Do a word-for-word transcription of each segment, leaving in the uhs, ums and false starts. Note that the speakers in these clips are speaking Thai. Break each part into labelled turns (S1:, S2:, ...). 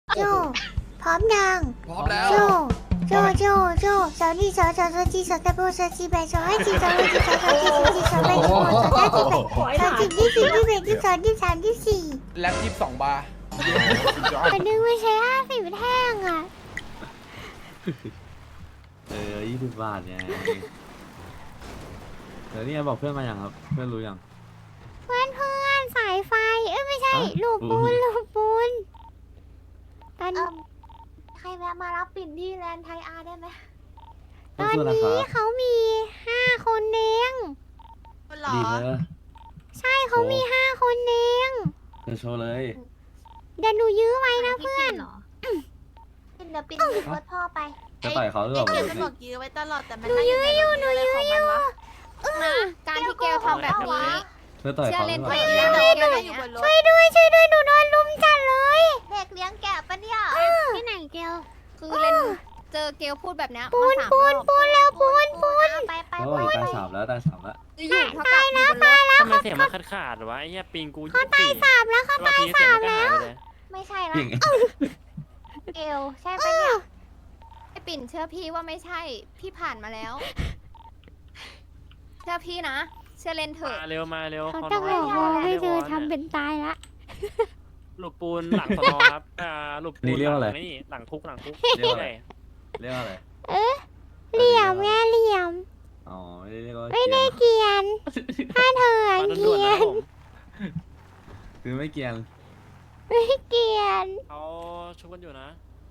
S1: โจพร้อมยัง
S2: พร้อมแล้ว
S1: โจโจโจโจสาวนี่สาวสาวสาวจีสาวตะโบสาวจีแบสาวให้จีสาวให้จีสาวสาวจีสาวจีสาวแบสาวสาวจีแบสาวจีที่สี่ที่แบที่สองที่สามที่สี่
S2: แล็ปยี่สิบสองบาร์
S1: อันนึงไม่ใช่ห้าสิบแท่งอ่ะ
S3: เออยี่สิบบาทไงเดี๋ยวนี่บอกเพื่อนมาอย่างครับ เพื่อนรู้ยัง
S1: เพื่อนเพื่อนสายไฟเอ้ยไม่ใช่
S3: ฮะ
S1: ลูกปูนลูกปูนตอน
S4: เอิ่มใครแวะมารับปิ่นที่แลนด์ไทยอาร์ได้ไหม
S1: ตอน
S3: สู้ๆนะค
S1: นี้
S3: รับ
S1: เขามีห้าคนเอง
S2: หรอ
S3: ดีเลย
S1: ใช่เขามีห้าคนเอง
S3: เธอโชว์เลย
S1: เดี๋ยวหนูยื้อไว้นะเพื่อน
S4: ปิ่นเดี๋ยวปิ่นติดรถพ่อไป
S3: จะต่อยเขาหรือเปล่า
S5: เกลจะบอกยื้อไว้ตลอดแต่มัน
S1: หนูยื้ออยู่หนูยื้ออยู่
S5: นะการที่เกลทำแบบนี้
S3: เธอต่อย
S5: เชื่อ
S3: เขาห
S5: เล่
S3: รื
S5: น
S3: อเป
S5: ไป
S3: ล่า
S5: เล่นเกลอยู่บนรถ
S1: ช่วยด้วยช่วยด้วยหนูโดนลุมจัดเลย
S4: เด็กเลี้ยงแกะปะเนี่ย
S1: ที่ไหนเกล
S5: คือเล่นเจอเกลพูดแบบเนี้ย
S1: ปู
S5: มาน สาม
S1: ปู
S5: ร
S1: น
S5: อบ
S1: ปูนแล้วปูนปูน
S4: ไปไป
S3: เขา
S4: ไป
S3: บอกตายสามแล้วตายสามแล้ว
S5: อยู่เท่ากับอยู่บนรถ
S6: ทำไมเสียงมันขาดขาดๆวะไอ้เหี้ยปิงกูยี่สิบสี่
S1: สามแล้วเขา
S6: บางทีเสียงมันก็หายไปเลย
S4: ไม่ใช่ละ
S3: เก่ง
S4: เกลใช่ปะเนี่ย
S5: ไอปิ่นเชื่อพี่ว่าไม่ใช่ พี่ผ่านมาแล้ว เชื่อพี่นะ เชื่อเล่นเถอะ
S6: มาเร็วมาเร็ว
S1: เขา
S6: เขา
S1: จะ
S6: น้
S1: บ
S6: อย
S1: อก
S6: เขา
S1: ว่า
S6: น้อย
S1: ให้เธอ
S6: ไม่ได้ว
S1: ทำเป็นตายละ
S6: หลบปูนหลังสนอครับอ่าหลบปู
S3: นี่
S6: น
S3: เรียกว่าอะไร
S6: หลังนี่หลังคุกหลังคุก
S3: เรียกว่าอะไร
S6: ใช่
S3: เรียกว่าอะไร
S1: เอ๊ะเหลี่ยมไงเหลี่ยม
S3: อ๋อไม่ได้เรียกว่า
S1: ไม่ได้
S3: เกรียน
S1: เกรียนถ้าเธอ
S6: มา
S1: เก
S6: ด่ว
S1: รี
S6: นๆ
S1: ย
S6: นะ
S1: น
S6: ผม
S3: คือไม่เกรียน
S1: ไม่เกรียน
S6: เขาชุบกันอยู่นะ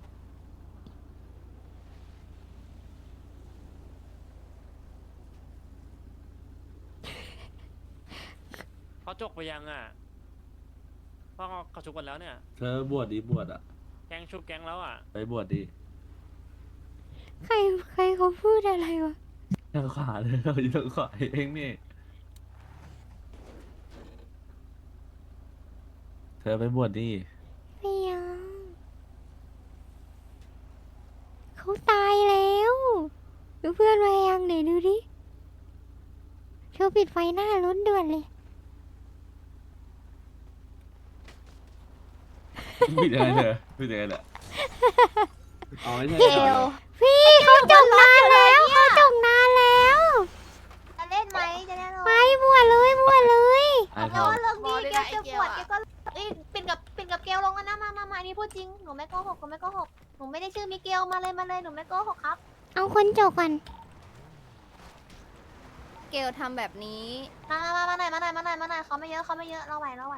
S6: เขาจกไปยังอ่ะเพราะเขาชุบกันแล้วเนี่ย
S3: เธอบวชดีบวชอ่ะ
S6: แก๊งชุบแก๊งแล้วอ่ะ
S3: ไปบวชดี
S1: ใครใครเขาพูดอะไรวะ
S3: ทางขวาเลยเราอยู่ทางขวาเองนี่ เธอไปบวชดี
S1: ไม่ยังเขาตายแล้วดูเพื่อนมายังไหนดูดิเธอปิดไฟหน้ารถด่วนเลย
S3: ผิดยังไงเธอผิดยังไงเนี่ยอ๋อไม่ใช่
S4: เก
S3: เหร
S4: ล
S3: อ
S1: พี่เขาจบนานแล้วเขาจบนานแล้ว
S4: จะเล่นไหมจะเล่น
S1: ไปบวชเลยบวชเลย
S3: ไอ้
S4: เอา
S3: เขา
S4: ว่าเรื่องนี้เกลจะปวดเกลก็เอ้ยปิ่นกับปิ่นกับเกลลงกันนะมามามาอันนี้พูดจริงหนูไม่โกหกหนูไม่โกหกหนูไม่ได้ชื่อมิเกลมาเลยมาเลยหนูไม่โกหกครับ
S1: เอาคนจบก่อน
S5: เกลทำแบบนี้
S4: มามามามาหน่อยมาหน่อยมาหน่อยมาหน่อยเขาไม่เยอะเขาไม่เยอะเราไหวเราไหว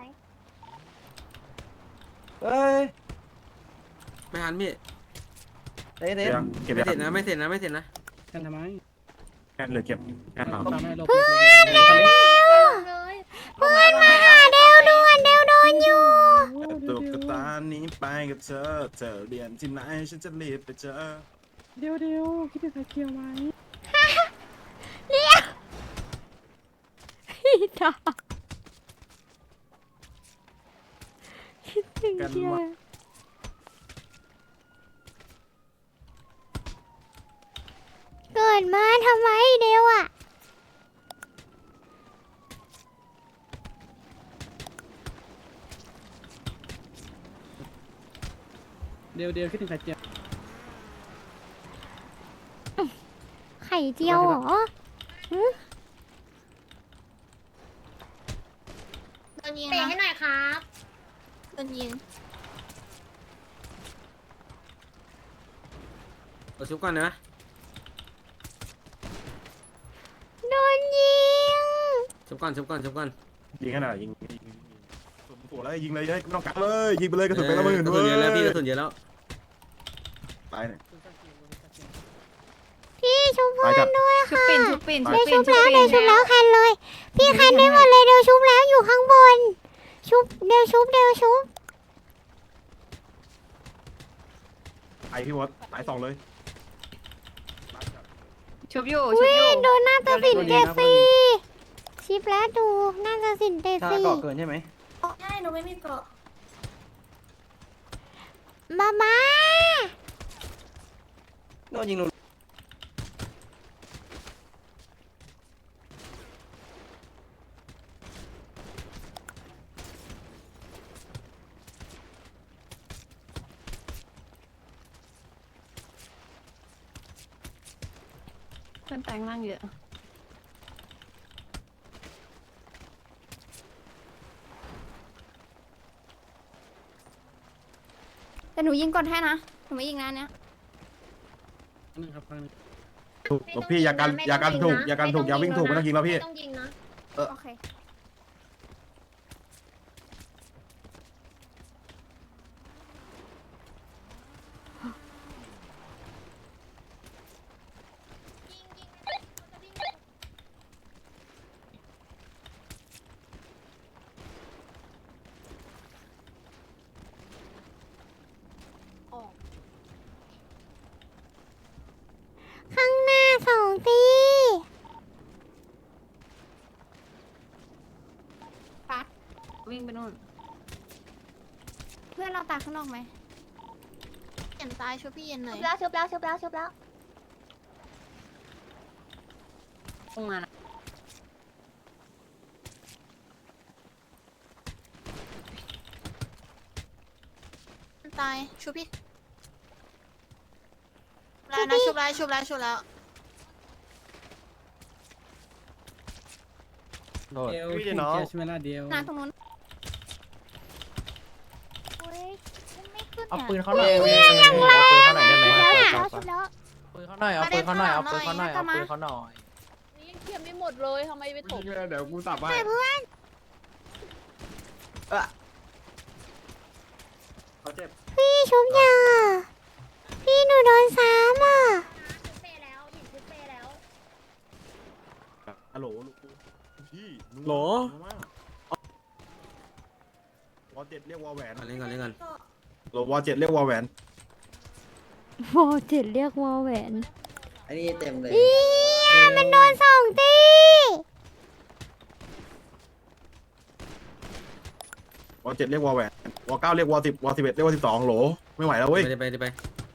S7: เอ้ย
S2: ไม่ทันพี่
S7: เต้เต้
S2: เก็บไม่เสร็จนะไม่เสร็จนะไม่เสร็จนะ
S7: กันทำไม
S6: แค่เหลือเก็บแค่เรา
S7: ตามให้ลบ
S1: เพื่อนเร็ว
S5: เลย
S1: เพื่อนมาหาเดวด่วนเดวโดนอยู่
S8: ตุ๊กตานี้ไปกับเธอ เธอเรียนที่ไหนฉันจะรีบไปเจอ
S7: เดี๋ยวเดี๋ยวคิดถึงใครเคียวไหม
S1: เรียกพี่ตาคิดถึง
S8: กัน
S1: เชียว
S8: วะ
S1: เกิดมาทำไมเดวอ่ะ
S7: เดี๋ยวเดี๋ยวคิดถึงใครเจียว
S1: ไข่เจียวเหรอหึ
S4: โดนยิงเตะให้หน่อยครับ
S5: โดนยิง
S2: เราชุบก่อนนะ
S1: โดนยิง
S2: ชุบก่อนชุบก่อนชุบก่อน
S8: ยิงขนาดยิงยิงยิงสุดหัวเลยยิงเลยไม่ต้องกักเลยยิงไปเลยกระสุนไปละหมื่น
S2: กระ
S8: เว้
S2: สุน
S8: ย
S2: เยอะแล้วพี่กระสุนเยอะแล้ว
S8: ตายเนี่ย
S1: พี่ชุบเพื่
S8: ตาย
S1: อ
S8: จั
S1: น
S8: ด
S1: ด้วย
S5: ชุบ
S1: ค่ะ
S5: ปิ่นชุบปิ่น
S1: เดี๋ยว
S5: ปิ่
S1: ชุ
S5: น
S1: บแล้ว
S5: ปิ่
S1: เดี๋ยวชุบแล้วแคนเลย พี่แคนได้หมดเลยเดี๋ยวชุบแล้วอยู่ข้างบน ชุบเดี๋ยวชุบเดี๋ยวชุบ
S8: ตายพี่วอตตายสองเลย
S5: ชุบอยู่
S1: อุ้
S5: ชุบ
S1: ย
S5: อยู่
S1: โดนหน้าตาสินเตะซีชิปแล้วดูหน้าตาสินเตะ
S7: ถ้า
S1: ซี
S7: เกาะเกินใช่ไหม
S4: ใช่หนูไม่มีเกาะ
S1: มามา
S7: โดนยิงหนู
S5: พื่อนแปลงร่างเยอะแต่หนูยิงกดให้นะหนูไม่ยิงนะอันเนี้ย
S7: นึงครับครั้งนึง
S8: ถูกหลวงพี่อย่ากันอย่ากันถูกอย่ากันถูกอย่าวิ่งถูกไม่ต้องยิงแล้วพี่
S4: ต้องยิงนะ
S5: โอเค
S1: ข้างหน้าสองตี
S5: ปัดวิ่งไปนู่น เพื่อนเราตากข้างนอกไหม
S4: เย็นตายช่วยพี่เย็นหน่อยชุบแล้วชุบแล้วชุบแล้วชุบแล้ว
S5: ลงมานะ
S4: ตายชุบพี่แล้วนะชุบแล้วชุบแล้วชุบแล้ว
S7: เดียวพี่น้องใช่ไหมล่ะเดียว
S5: หน้าตรงนู้น
S1: โอ้ยไม่ขึ้น
S7: เอา
S1: อ่ะ
S7: ปืนเขาหน่อย
S1: เอาปืนเขาหน่อยได้ไหม
S7: เอา
S1: แล้วชุบแล้ว
S7: ปืนเขาหน่อยเอาปืนเขาหน่อยเอาปืนเขาหน่อยเอาปืนเขาหน่อย
S4: นี่ยังเคลียร์ไม่หมดเลยทำไมไปถม
S3: เดี๋ยวกูสับไป
S1: เพื่อน
S2: เขาเจ็บ
S1: พี่ชุบยาพี่หนูโดนซ้ำอ่ะ
S4: เปแล้วหญิงชุบเปแล้ว
S8: ฮัลโหลลูกพี่
S2: โหล
S8: วอเจ็ดเรียกวอแหวน
S2: เล่นกันเล่นกัน
S8: โหลวอเจ็ดเรียกวอแหวน
S1: โวเจ็ดเรียกวอแหวน
S7: อันนี้เต็มเลย
S1: อีมันโดนสองตี
S8: วอเจ็ดเรียกวอแหวนวอเก้าเรียกวอสิบวอสิบเอ็ดเรียกวอสิบสองโหลไม่ไหวแล้วเว้ย
S2: ไปไปไปไป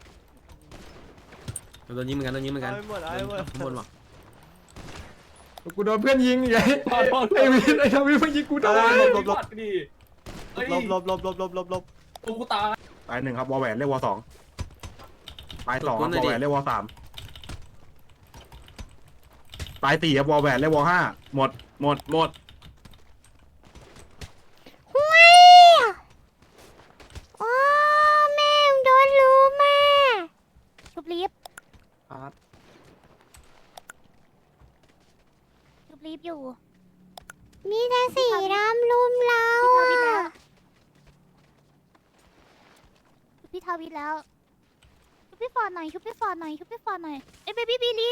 S2: โดนยิงเหมือนกันโดนยิงเหมือนกันข้างบนว่ะ
S3: กูโดนเพื่อนยิงไงไอ้วินไอ้ทวินเพิ่งยิงกูโดน
S8: หลบหลบ
S3: ดิ
S8: หลบหลบหลบหลบหลบหลบหลบ
S3: กูตาย
S8: ตายหนึ่งครับวอแหวนเรียกวอสองตายสองครับวอแหวนเรียกวอสามตายสี่ครับวอแหวนเรียกวอห้าหมดหมดหมด
S1: ห้วยโอ้แม่งโดนลูมาชุบลิฟต์
S7: ครับ
S1: ชุบลิฟต์อยู่ มีแต่สีดำลุมเราอ่ะชุบพี่ทาวิทแล้วชุบพี่ฟอร์ดหน่อยชุบพี่ฟอร์ดหน่อยชุบพี่ฟอร์ดหน่อยเอ้ยเบบี้บีลี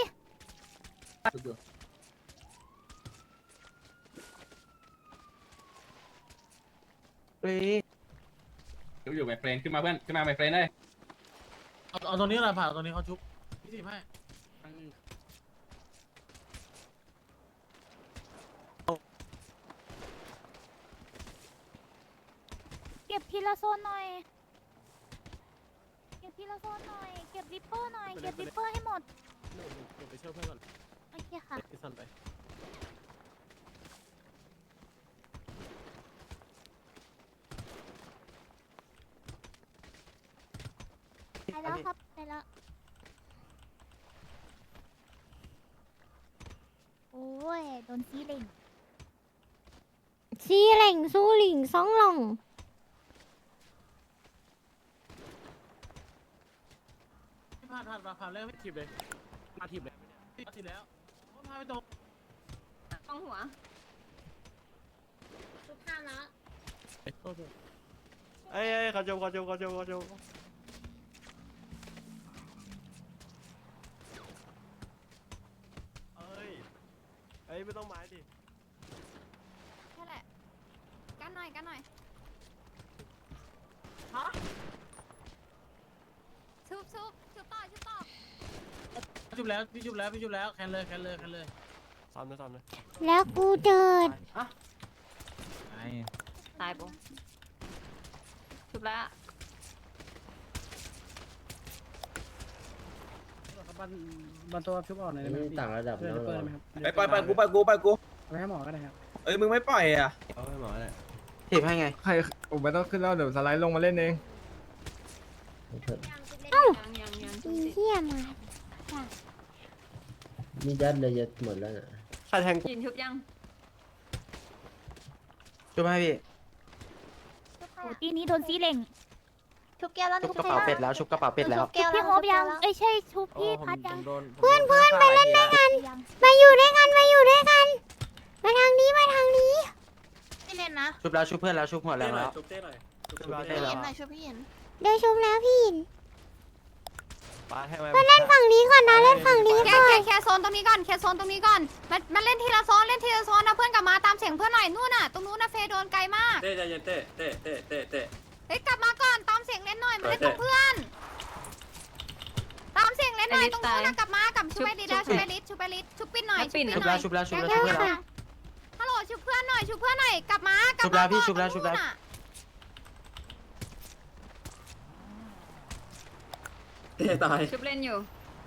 S7: เฮ้ย
S3: อยู่ไมเฟรนขึ้นมาเพื่อนขึ้นมาไมเฟรนได้
S7: เอาเอาตรงนี้หน่อยผ่านตรงนี้เขาชุบพี่สิให้
S1: เก็บทีละโซนหน่อย เก็บทีละโซนหน่อย เก็บริปเปอร์หน่อย เก็บริปเปอร์ให้หมด
S7: ไปช่วยเพื่อนก่อน
S1: โอเคค่ะ
S7: พี่สันไป
S1: ไปแล้วครับ ไปแล้ว โอ้ย โดนซีเหล่งซีเหล่งสู้หลิงสองหลง
S7: พี่ผ่านผ่านผ่านแล้วไม่ถีบเลยมาถีบเลยมาถีบแล้วพาไปตรง
S5: ตรงหัว
S4: ชุบข้ามนะ
S7: เอ้ยเขาจมเขาจมเขาจมเขาจม
S8: เอ้ยเอ้ยไม่ต้องไม้ดิ
S5: แค่แหละ กันหน่อย กันหน่อยชุบชุบชุบต่อชุบต่อ
S7: จุบแล้วพี่จุบแล้วพี่จุบแล้วแคนเลยแคนเลยแคนเลย
S8: ซ้ำเลยซ้ำเลย
S1: แล้วกูเดิน
S5: ตายปุ๊ชุบแล้ว
S7: บันบันตัวชุบออกหน่อยได้ไหมต่างระดับแล้วเปิดไหมครับ
S9: ไปไปไปกูไปกูไปกู
S7: ไปให้หมอก็ได้ครับ
S9: เอ้ยมึงไม่ปล่อยอ่ะ
S2: เอาให้หมอเลย
S7: ถีบให้ไง
S3: ใครผมไม่ต้องขึ้นแล้วเดี๋ยวสไลด์ลงมาเล่นเอง
S5: ยังยังยัง
S1: อีเหี้ยมา
S2: นี่ยัดเลยยัดหมดแล้วน่ะ
S5: ใครแทงยินชุบยัง
S9: ช่วยไหมพี่
S1: โอ้ทีนี้โดนซีเหล่ง
S4: ชุบแก้วแล้ว
S9: ชุบกระเป๋าเป็ดแล้วชุบกระเป๋าเป็ดแล้ว
S4: ชุบแก้วแล้ว
S1: พี่โฮบยังเอ้ยใช่ชุบพี่พัดยัง
S3: เพื่อนเพื่อน
S1: ไปเล่นด้วยกันมาอยู่ด้วยกันมาอยู่ด้วยกัน มาทางนี้มาทางนี้
S4: ไม่เล่นนะ
S9: ชุบแล้วชุบเพื่อนแล้วชุบหัวแรงแล้ว
S2: จุ๊บเต้หน่อยจุ๊บ
S9: ชุบ
S2: เต้
S9: เต้
S2: ห
S9: แล้
S2: น่อยว
S4: หน่อยช่วยพี่เห็น
S1: เดี๋ยวชุบแล้วพี่หิน
S9: มาให้มา
S1: มาเล่นฝั่งนี้ก่อนนะเล่นฝั่งนี้
S5: แค่
S1: ก่อน
S5: แค่แค่โซนตรงนี้ก่อนแค่โซนตรงนี้ก่อนมันมันเล่นทีละโซนเล่นทีละโซนนะเพื่อนกลับมาตามเสียงเพื่อนหน่อยนู่นน่ะตรงนู้นนะเฟย์โดนไกลมาก
S2: เต้ใจเย็นเต้เต้เต้เต้เต้
S5: เฮ้ยกลับมาก่อนตามเสียงเล่นหน่อยมาเล่นกับเพื่อน ตามเสียงเล่นหน่อยตรงนู้นนะกลับมากลับชุบไปดิแล้วชุบไปลิสชุบไปลิสชุบปิ้นหน่อยชุบปิ้นห
S9: ชุบ
S5: น่
S9: แล้
S5: อ
S9: วย ชุบแล้วชุบแล้ว
S5: แก้
S9: ชุบ
S5: ว
S9: เพื่อนแล้ว
S5: ค่ะฮัลโหลชุบเพื่อนหน่อยชุบเพื่อนหน่อยกลับมากลับ
S9: ชุบแล้
S5: มาว
S9: พี่
S5: ก่อน
S9: ชุบแล้วชุบแล้ว
S5: ตรงนู้นน่ะ
S2: เต้ตาย
S5: ชุบเล่นอยู่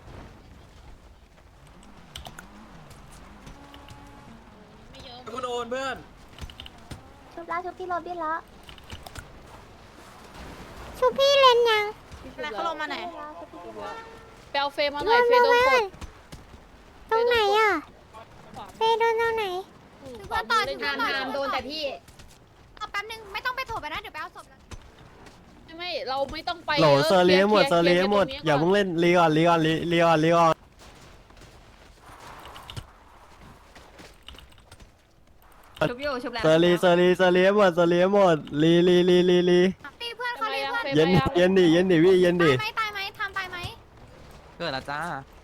S2: กูโดนเพื่อน
S4: ชุบแล้วชุบพี่โรบินแล้ว
S1: ชุบพี่เล่นยัง
S4: แล้วเขาลงมาไหน
S10: ไปเอาเฟย์มาห
S1: ร
S10: น่อ
S1: วย ม
S10: เฟ
S1: ล
S10: ย์
S1: ง
S10: โดน
S1: ไว้
S10: ก
S1: ก่อ
S10: ด
S1: นตรงไหนอ่ะเฟย์โดนตรงไหน
S5: ชุบเพื่อนต่อชุบเพื่อนต่อ
S10: ทามโดนแต่พี่
S5: เอาแป๊บนึงไม่ต้องไปโถไปนะเดี๋ยวไปเอาศพแล้ว
S10: ไม่ไม่เราไม่ต้องไป
S11: โหล
S10: ยะ
S11: เซอร์เลียหมด
S10: ค
S11: เซอร์เลียหมด
S10: คร์
S11: อย่าเพิ่งเล่นลีก่อนลีก่อนลีลีก่อนลีก่อน
S5: ชุบอยู่ชุบแล้ว
S11: เซอร์ลีเซอร์ลีเซอร์เลียหมดเซอร์เลียหมดลีลีลีลีลี
S5: ตีเพื่อน
S10: ทำ
S5: เขา
S10: ไม
S5: ตี
S10: อะ
S5: เพื่อน
S10: เฟย์
S11: เย็น
S10: ไปยัง
S11: เย็นดิเย็นดิพี่เย็นดิ
S5: ตายไหมตายไหมทำตายไหม
S9: เกิดแล้วจ้า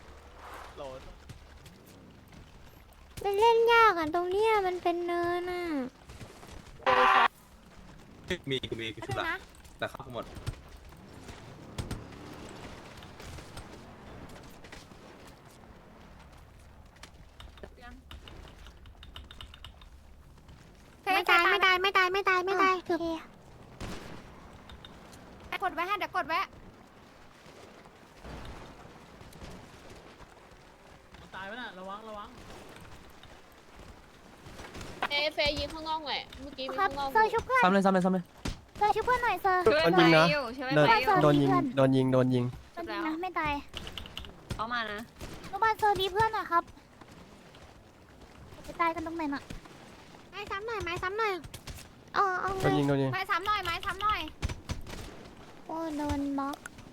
S1: มันเล่นยากอ่ะตรงเนี้ยมันเป็นเนินอ่ะ
S8: มีกูมีกู
S5: ไม่
S8: ชุบ
S5: ถึง
S8: ละ
S5: นะ
S8: แต่เข้าหมด
S1: ไม่ตายไม่ตายไม่ตายไม่ตายไม่ตายโอเค
S5: กดไว้ให้เดี๋ยวกดไว้
S7: ตายไปน่ะระวังระวัง
S10: เอ้เฟย์ยิงข้างนอกแหละเมื่อกี้มี
S1: ครับ
S10: ข้างนอก
S1: เซอร์ชุบเพื่อน
S9: ซ้ำเลยซ้ำเลยซ้ำเลย
S1: เซอร์ชุบเพื่อนหน่อยเซอร์
S5: ช่วย
S11: โดนยิงนะ
S5: ไฟอยู่ช่วย
S11: โดน
S5: ไฟอยู่
S11: โดนยิงโดนยิงโดนยิง
S1: จริงนะไม่ตาย
S5: เขามานะ
S1: ลูกบ้านเซอร์ดีเพื่อนหน่อยครับจะตายกันตรงไหนน่ะไม้ซ้ำหน่อยไม้ซ้ำหน่อยอ๋อเอา
S11: โด
S1: เล
S11: น
S1: ย
S11: ยิงโดนยิง
S5: ไม้ซ้ำหน่อยไม้ซ้ำหน่อย
S1: โอ้โดนบล็อก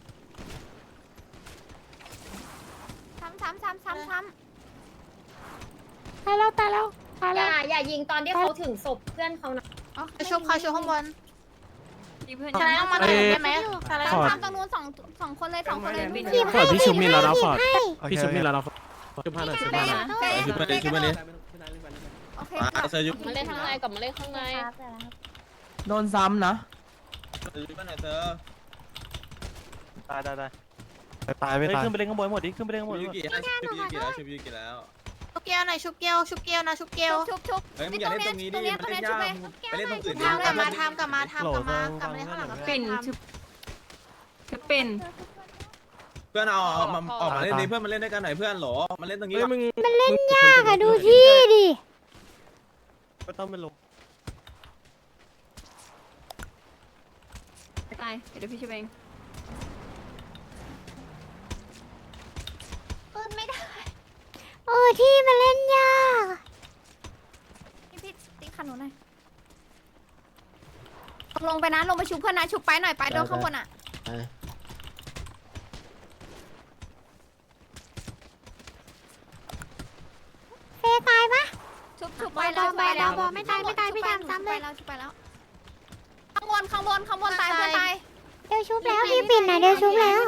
S5: ซ้ำซ้ำซ้ำซ้ำซ้
S1: ตายแล้วตายแล้วตาย
S10: อ
S1: แล้ว
S10: ย่าอย่ายิงตอนที่เขาถึงศพเพื่อนเขานะ
S4: ชุบเขาชุบข้างบน
S5: ำตีเพื่อน
S4: ชนะต้องมาตรงนี้ได้ไหมชนะ
S5: ซ้ำซ้ำตรงนู้นสองสองคนเลยสองคนเลยวิ่ง
S1: หยิบให้หยิบให้หยิบให้
S11: พี่ชุบนี่แล้ว
S2: จุ๊บพาหน่อยจุ๊บ
S5: ไป
S2: พาหน่อย
S5: นะ
S8: ชุบมาดิชุบมาดิ
S5: โอเค
S8: มาเซอร์ยุบ
S10: มาเล่นข้างในกลับมาเล่นข้างใน
S9: โดนซ้ำนะ
S8: ยุบมาหน่อยเซอร์
S11: ตายตายตายตายไม่ตาย
S9: ขึ้นไปเล่นข้างบนหมดดิขึ้นไปเล่นข้างบน
S8: ชุบยูกิให้ชุบยูกิแล้วชุบยูกิแล้ว
S4: ชุบแก้วหน่อยชุบแก้วชุบแก้วนะชุบแก้ว
S5: ชุบชุบ
S8: เฮ้ยมึงอย่าเล่นตรงนี้ดิมันเล่นยากไปเล่นตรงอื่นดิ
S4: ทำกลับมาทำกลับมาทำกลับมากลับมาเล่นข้างหลังกับ
S5: ปิ่นชุบชุบปิ่น
S8: เพื่อนเอาเอามาออกมาเล่นดิเพื่อนมาเล่นด้วยกันหน่อยเพื่อนหรอมาเล่นตรงนี้
S11: เฮ้ยมึง
S1: มันเล่นยากอะดูที่ดิ
S11: ก็ต้องไปลง
S5: ตายเดี๋ยวพี่ช่วยเอง
S4: ปืนไม่ได้
S1: โอ้ที่มันเล่นยาก
S5: พี่พี่ตีขันหนูหน่อยลงไปนะลงไปชุบเพื่อนนะชุบไปหน่อยไปโดนข้างบนอ่ะ
S1: เฟย์ตายปะ
S5: ชุบชุบไปแล้ว
S1: ไปแล้วบอไม่ตายไม่ตายไม่ตายซ้ำเลย
S5: ไปแล้วชุบไปแล้วข้างบนข้างบนข้างบนตายเพื่อนตาย
S1: เดี๋ยวชุบแล้วพี่ปิ่นนะเดี๋ยวชุบแล้ว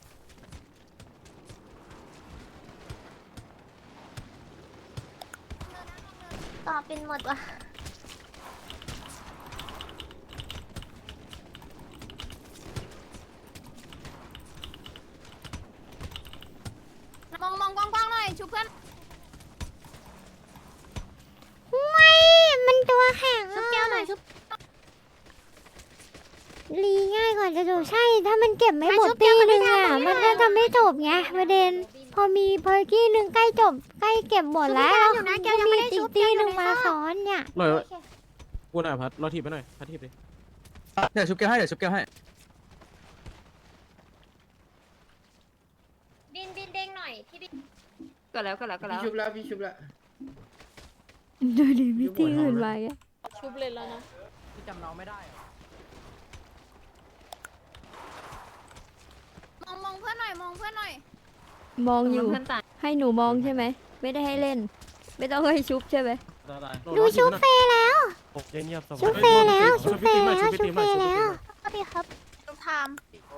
S4: ต่อเป็นหมดว่ะ
S5: มองมองกว้างๆหน่อยชุบเพื่อน
S1: ไม่มันตัวแข็งชุบแก้วหน่อยชุบรีง่ายกว่าจะจบใช่ ถ้ามันเก็บไม่หมดตีหนึ่งอ่ะมันก็จะไม่จบไงประเด็น พอมีเพอร์กี้หนึ่งใกล้จบใกล้เก็บหมดแล้วแล้วก็มีตีตีหนึ่งมาซ้อนเนี่ย
S2: หน่อยกูหน่อยพัดรอถีบไปหน่อยพัดถีบดิ
S9: เดี๋ยวชุบแก้วให้เดี๋ยวชุบแก้วให้
S10: บินบินเด้งหน่อยพี่บิน
S5: ก็แล้วก็แล้วก็
S3: พี่
S5: แล้ว
S3: ชุบแล้วพี่ชุบแล้ว
S1: ดูดิมิติอื่นมาอ่ะ
S10: ชุบเลยแล้วนะ
S9: จำน้องไม่ได้
S5: มองมองเพื่อนหน่อยมองเพื่อนหน่อย
S1: มองอยู่
S5: เพื่อนตาย
S1: ให้หนูมองใช่ไหมไม่ได้ให้เล่น ไม่ต้องให้ชุบใช่ไหม
S2: ได้
S1: ดูชุบเฟยแล้ว
S11: เงียบๆสบาย
S1: ชุบเฟยแล้วชุบเฟยแล้วชุบเฟยแล้ว
S4: สวัสดีครับทุกทาม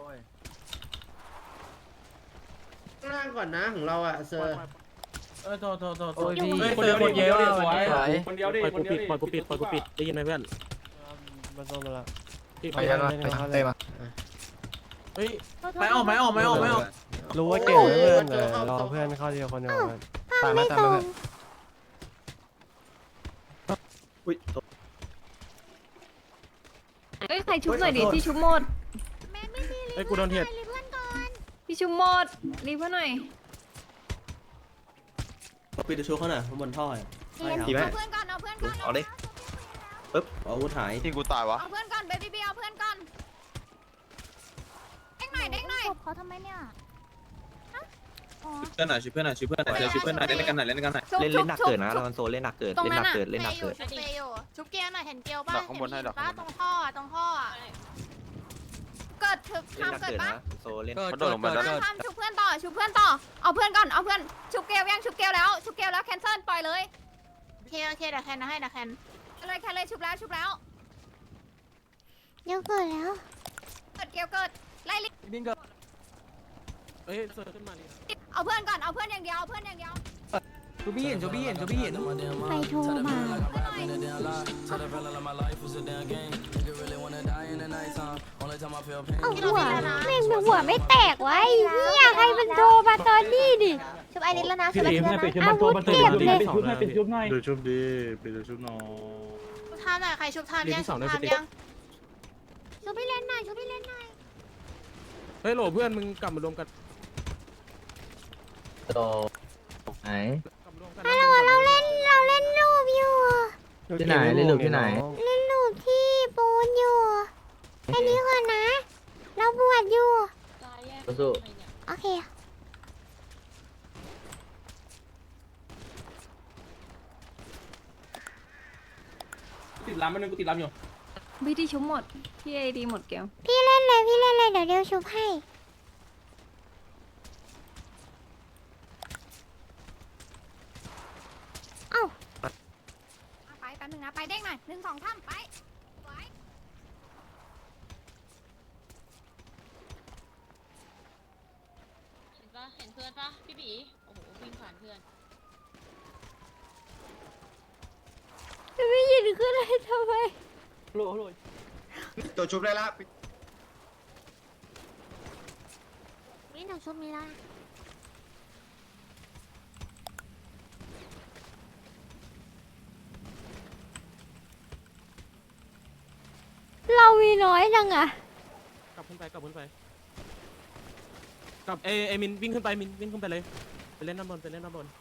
S3: ข้างล่างก่อนนะของเราอะเซอร์
S7: เออโทษโทษโทษ
S9: โอ้ยพี่
S2: เฮ้ยคนเดียวคนเดียวดิ
S9: สวย
S2: คนเดียวดิปล่อยกูปิดปล่อยกูปิดปล่อยกูปิดได้ยินไหมเพื่อน
S11: มันต้องมาละ
S2: ปิด
S11: ไปกันวะไปกันเต้มา
S2: เฮ้ย
S7: ไม่ออกไม่ออกไม่ออกไม่ออก
S11: รู้ว่าเก่งนะเพื่อนแต่รอเพื่อนเข้าทีละคนเดียวกัน
S1: ภาพไม่ตรง
S11: อุ้ย
S5: เอ้ยใครชุบหน่อยดิที่ชุบหมด
S2: เฮ้ยกูโดนเทียด
S5: ที่ชุบหมดรีบเพื่อนหน่อย
S7: ปิดตัวชูเขาหน่อยบนท่อ
S11: ดีไหม
S5: เอาเพื่อนก่อนเอาเพื่อนก่อน
S11: เอาดิปึ๊บ
S7: อาวุธหาย
S11: ที่กูตายวะ
S5: เอาเพื่อนก่อนเบบี้บีเอาเพื่อนก่อนเด้งหน่อยเด้งหน่อย
S4: เขาทำไมเนี่ย
S11: เพื่อนหน่อยช่วยเพื่อนหน่อยช่วยเพื่อนหน่อยช่วยเพื่อนหน่อยเล่นกันหน่อยเล่นกันหน่อย
S5: ชุบ
S11: เล่น
S5: ชุ
S11: เล่
S5: บ
S11: นหนัก
S5: ชุบ
S11: เกินนะ
S5: ชุบ
S11: เราโซเล่นหนักเกิน
S5: ตรง
S11: เล่น
S5: นั้
S11: ห
S5: น
S11: นัก
S5: อะ
S11: เกินเล่นหนักเกิน
S4: ชุบเปย์อยู่ชุบเกียร์หน่อยเห็นเกียวป่ะ
S11: หนักข้างบนให้หนัก
S4: ป่ะตรงท่อตรงท่อ
S5: เกิดถึก
S11: เล่นหนัก
S5: ทำเกิด
S11: เกิน
S5: ปะ
S11: นะโซเล่น
S9: เกิด
S11: เขาโดดลงมาแล้ว
S9: เกิด
S5: ทำชุบเพื่อนต่อชุบเพื่อนต่อเอาเพื่อนก่อนเอาเพื่อนชุบเกลยังชุบเกลแล้วชุบเกลแล้วแคนเซิลปล่อยเลย
S4: โอเคโอเคเดี๋ยวแคนนะให้นะแคน
S5: เลยแคนเลยชุบแล้วชุบแล้ว
S1: เดี๋ยวเกิดแล้ว
S5: เกิดเกลเกิดไล่ลิ
S9: บินเกิด
S2: เฮ้ยเซิร์ฟขึ้นมาดิ
S5: เอาเพื่อนก่อนเอาเพื่อนอย่างเดียวเอาเพื่อนอย่างเดียว
S9: จูบี้เห็นจูบี้เห็นจูบี้เห็น
S1: ใครโทรมา
S5: เพื่อนหน่อย
S1: เอาหัวแม่งเป็นหัวไม่แตกไว้เนี่ยใครมันโทรมาตอนนี้ดิ
S4: ชุบไอริสแล้วนะชุบไอริสแล้วนะ
S1: อาวุธเก็บเลย
S2: ชุบให้เป็นชุบหน่อย
S11: ดูชุบดีไปดูชุบน้อง
S4: ชุบทามหน่อยใครชุบทามยังชุบทามยังชุบพี่เล่นหน่อยชุบพี่เล่นหน่อย
S2: เฮ้ยโหลเพื่อนมึงกลับมารวมกัน
S9: โตไหน
S2: กลับมารวมกัน
S1: ฮัลโหลเราเล่นเราเล่นรูปอยู่
S9: ที่ไหนเล่นหลุมที่ไหน
S1: เล่นรูปที่ปูนอยู่แค่นี้ก่อนนะ เราบวชอยู่
S10: ตายแยก
S9: สู้
S1: โอเค
S7: ติดลำมันนึงกูติดลำอยู่
S5: พี่ที่ชุบหมดพี่ไอดีหมดเกล
S1: พี่เล่นเลยพี่เล่นเลยเดี๋ยวเดี๋ยวชุบให้ เอ้า
S5: ไปแป๊บนึงนะไปเด้งหน่อยหนึ่งสองสามไปไว้
S10: เห็นปะเห็นเพื่อนปะพี่บีโอ้โหวิ่งผ่านเพื่อน
S1: ไม่ยินขึ้นเลยทำไม
S8: ตัวชุบได้ละ
S4: นี่หนูชุบมีแล้ว
S1: เรามีน้อยจังอะ
S2: กลับขึ้นไปกลับขึ้นไปกลับเอเอมินวิ่งขึ้นไปมินวิ่งขึ้นไปเลยไปเล่นด้านบนไปเล่นด้านบน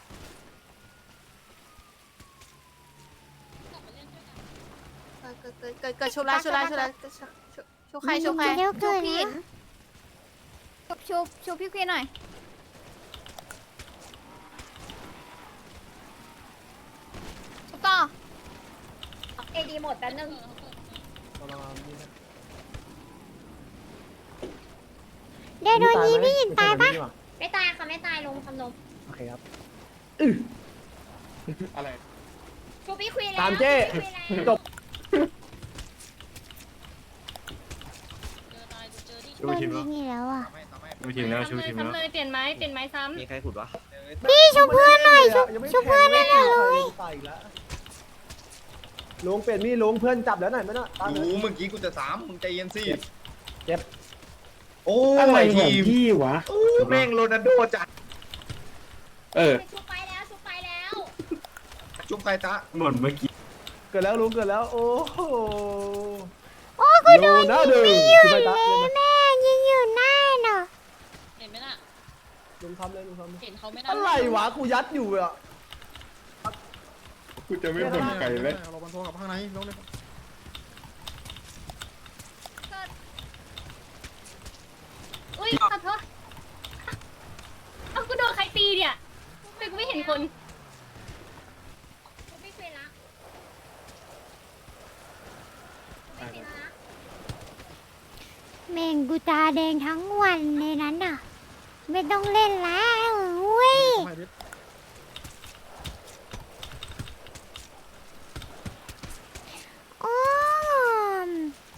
S4: เกิดเกิดเกิดเกิดชุบแล้วชุบแล้วชุบแล้วชุบใครชุบใคร
S1: เดี๋ยว
S5: ชุ
S1: เกิ
S5: บ
S1: ด
S5: พี่
S1: นะ
S5: ชุบชุบชุบพี่ควีนหน่อยชุบต่อ
S10: เอดีหมดแป๊บนึง
S1: เดี๋ยวโดนยีพี่ยินตายปะ
S10: ไม่ตายค่ะไม่ตายลงคำนม
S9: โอเคครับ
S11: อะไร
S10: ชูพี่ควีนแล้ว
S3: ตามเจ้
S10: จบ
S1: โดนยิงอีกแล้วอะ
S11: ชูทีมแล้วชูทีมแล้ว
S10: เลยเปลี่ยนไม้เปลี่ยนไม้ซ้ำ
S11: มีใครขุดวะ
S1: พี่ชุบเพื่อนหน่อยชุบชุบเพื่อนให้หน่อยเลย
S3: ลุงเปลี่ยนมีดลุงเพื่อนจับแล้วหน่อยไหมน่ะ
S8: รู้เมื่อกี้กูจะสามมึงใจเย็นสิ
S3: เจ็บ
S8: โอ้
S3: อะไร
S8: ย
S3: ขอ
S8: ที
S3: ง
S8: ม
S3: พี่วะ
S8: แม่งโรนัลโดจัด
S3: เออ
S10: ชูไปแล้วชูไปแล้ว
S8: ชุบใครจ๊ะ
S11: หมดเมื่อกี้
S3: เกิดแล้วลุงเกิดแล้ว โอ้โห
S1: โอ้กูโดน
S3: นะ
S1: ยิง
S3: เดิม
S1: ไม่หยุด
S3: ไป
S1: เล
S3: ตะ
S1: ยแม่ยิงอยู่หน้าเนาะ
S10: เห็นไหมน่ะ
S3: ลุงทำเลยลุงทำเลย
S10: เห็นเขาไม่น่า
S3: อะไรวะกูยัดอยู่อ่ะ
S8: กูจะไม่บ่นไก่เลย
S3: เราบันโทกับข้างในลงเลย
S10: อุ้ยขอโทษเอากูโดนใครตีเนี่ย
S5: ง
S1: แดงทั้งวันในนั้นน่ะ ไม่ต้องเล่นแล้วอุ้ยโอ้ม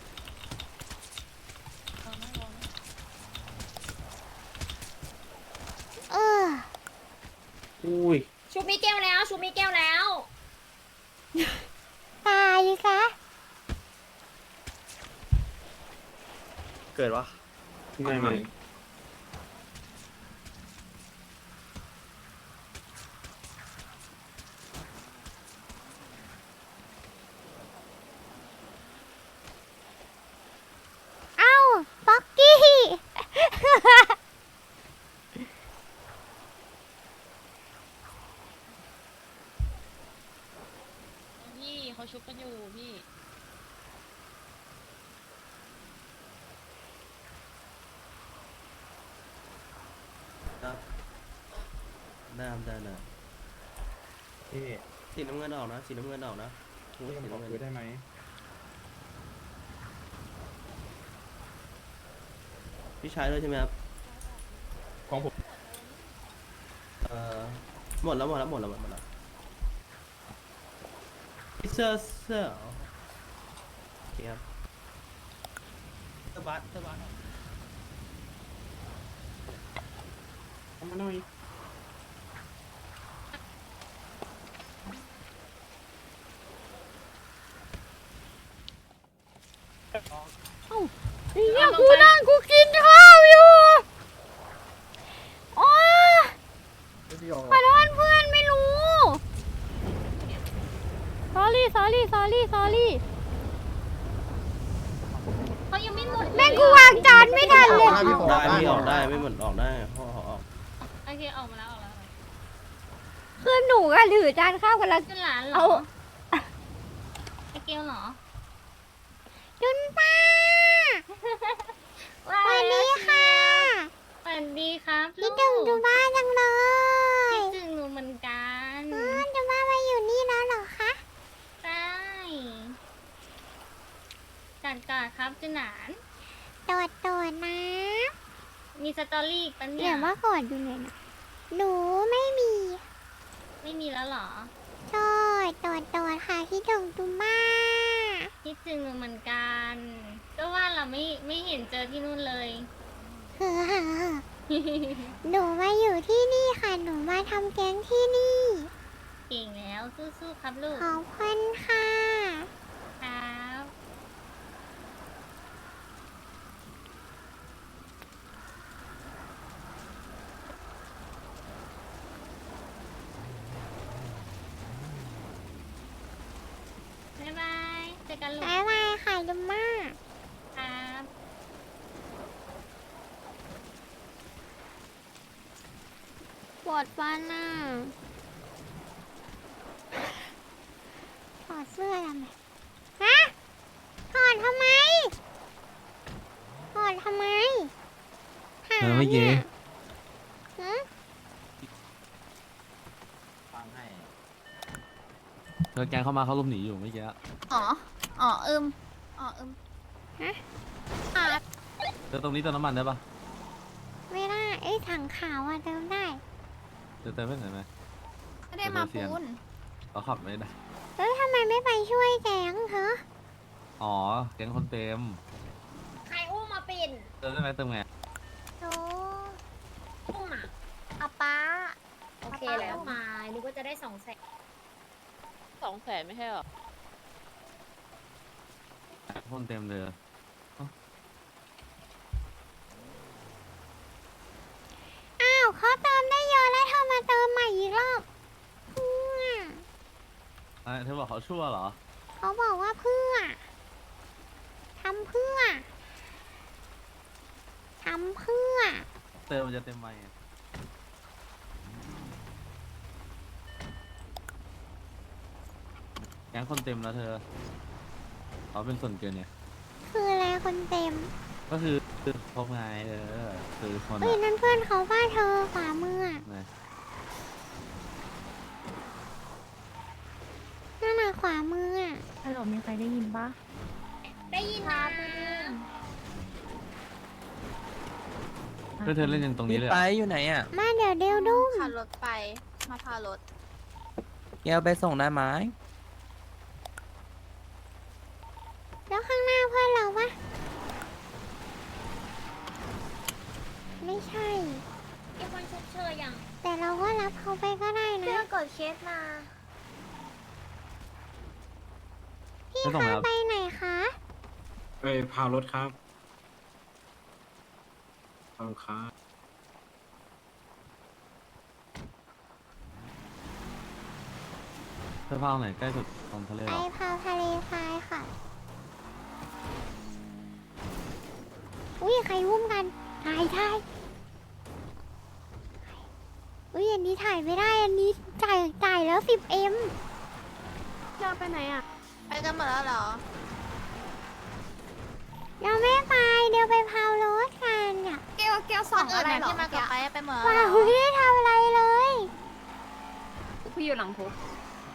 S1: เออ
S6: อุ้ย
S10: ชุบมีแก้วแล้ว ชุบมีแก้วแล้ว
S1: ตายซะ
S11: เกิดวะ
S8: ไม่ไม่
S1: เอ้าป๊อกกี้
S10: พี่เขาชุบกันอยู่พี่
S11: ได้ได้ได้สีน้ำเงินออกนะสีน้ำเงินออกนะสีน้ำเงินได้ไหมพี่ชายด้วยใช่ไหมครับของผมเอ่อหมดแล้วหมดแล้วหมดแล้วหมดแล้วเสื้อเสื้อโอเคครับเสื้อบัสเสื้อบัสเอามาหน่อย
S1: เนี่ยกูนั่งกูกินข้าวอยู่โอ้ขอโทษเพื่อนไม่รู้ sorry sorry sorry sorry
S10: เขายังไม่หมด
S1: แม่งกูวางจานไม่ทันเลย
S11: ได้พี่ออกได้ไม่หมดออกได้พ่อออก
S10: โอเคออกมาแล้วออกแล้ว
S1: คือหนูก็ถือจานข้าวกันแล้ว
S10: จุนหลานเหรอ
S1: เอา
S10: ไอเกลเหรอ
S1: จุนป้าสวัสดีค่ะ
S10: สวัสดีครับ
S1: คิดถึงจุนป้าจังเลย
S10: คิดถึงหนูเหมือนกัน
S1: อ๋อจุนป้ามาอยู่นี่แล้วเหรอคะ
S10: ใช่กัดกาดครับจุนหลาน
S1: โดดโดดนะ
S10: มีสตอรี่อีกปะเนี่
S1: เดี๋
S10: ย
S1: ยวว่ากอดอยู่ไหนนะหนูไม่มี
S10: ไม่มีแล้วเหรอ
S1: โดดโดดโดดค่ะคิดถึงจุนป้า
S10: คิดถึงหนูเหมือนกัน ก็ว่าเราไม่ไม่เห็นเจอที่นู่นเลย
S1: เฮ้อหนูมาอยู่ที่นี่ค่ะ หนูมาทำแก๊งที่นี่
S10: เก่งแล้วสู้ๆครับลูก
S1: ขอบคุณค่ะ
S10: ครับบ๊ายบายเจอกันลูก
S1: บ๊ายบายค่ะจุนป้า
S10: ครับ
S1: ปวดฟันอ่ะถอดเสื้อทำไมฮะถอดทำไมถอดทำไมถามเนี่ยฮะ
S2: เธอแกงเข้ามาเขาลุมหนีอยู่เมื่อกี้
S5: อ๋อ อ๋ออึมอ๋ออึม
S2: เธอตรงนี้เติมน้ำมันได้ปะ
S1: ไม่ได้ไอ้ถังขาวอะเติมได้
S2: เธอเติมไม่ไหนไหม
S5: ไม่ได้มาปูน
S2: เขาขับไม่ได้
S1: แล้วทำไมไม่ไปช่วยแก๊งเหรอ
S2: อ๋อแกงคนเต็ม
S10: ใครอุ้มมาปิ่น
S2: เติมได้ไหมเติมไง
S1: โอ้
S10: อุ้มอ่ะ
S1: อาป้า
S10: โอเคแล้วมานึกว่าจะได้สองแสน
S5: สองแสนไม่ใช่หรอ
S2: คนเต็มเลย
S1: อ้าวเขาเติมได้เยอะแล้วเธอมาเติมใหม่อีกรอบเพื่อ
S2: อ่ะเธอบอกเขาชั่วเหรอ
S1: เขาบอกว่าเพื่อทำเพื่อทำเพื่อ
S2: เติมมันจะเต็มไหมอะแกงคนเต็มแล้วเธอเขาเป็นส่วนเกินเนี่ย
S1: คืออะไรคนเต็ม
S2: ก็คือคือพบไงเออคือคน
S1: เฮ้ย
S2: อะ
S1: นั่นเพื่อนเขาว่าเธอขวามืออะ
S2: นะ
S1: นั่นน่ะขวามืออะ
S5: ฮัลโหลมีใครได้ยินปะ
S10: ได้ยินนะ
S9: เพื่อนเธอเล่นยังตรงนี้เลยไปอยู่ไหนอ่ะ
S1: มาเดี๋ยวเดียวดุ้ง
S4: ขับรถไปมาพารถ
S9: แกวไปส่งได้ไหม
S1: แล้วข้างหน้าเพื่อนเราปะไม่ใช่
S10: ไอ้คนชุบเชยยัง
S1: แต่เราก็รับเขาไปก็ได้
S4: เพื่
S1: นะ
S4: อนกดเคสมา
S1: พี่คะไปไหนคะ
S3: ไปพารถครับขอบคุณครับ
S9: เสื้อผ้าไหนใกล้สุดตรงทะเล
S1: ไปพาวทะเลทรายค่ะ อุ้ยใครวุ่มกัน ถ่ายถ่ายอุ้ยอันนี้ถ่ายไม่ได้ อันนี้จ่ายจ่ายแล้วสิบเอ็ม
S4: จะไปไหนอ่ะ ไปกันหมดแล้วเหรอ
S1: เราไม่ไป เดี๋ยวไปพาวรถกันอ่ะ
S5: เกลเกลส
S4: ค
S5: อง
S4: นอื่
S5: อะ
S4: น
S5: ไร
S4: น่ะ
S5: หรอ
S4: ที่มากับไปไปหมดแล้ว
S1: ว้า
S4: เหร
S1: ว
S4: อ
S1: ไม่ได้ทำอะไรเลย
S5: พี่อยู่หลังคุก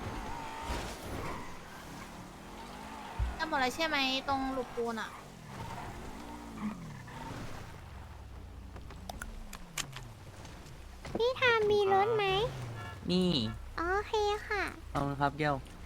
S4: กันหมดแล้วใช่ไหมตรงหลุมปูนอ่ะ
S1: พี่ทามมีรถไหม
S9: นี่
S1: โอเคค่ะ
S9: เอาครับเกล
S1: ค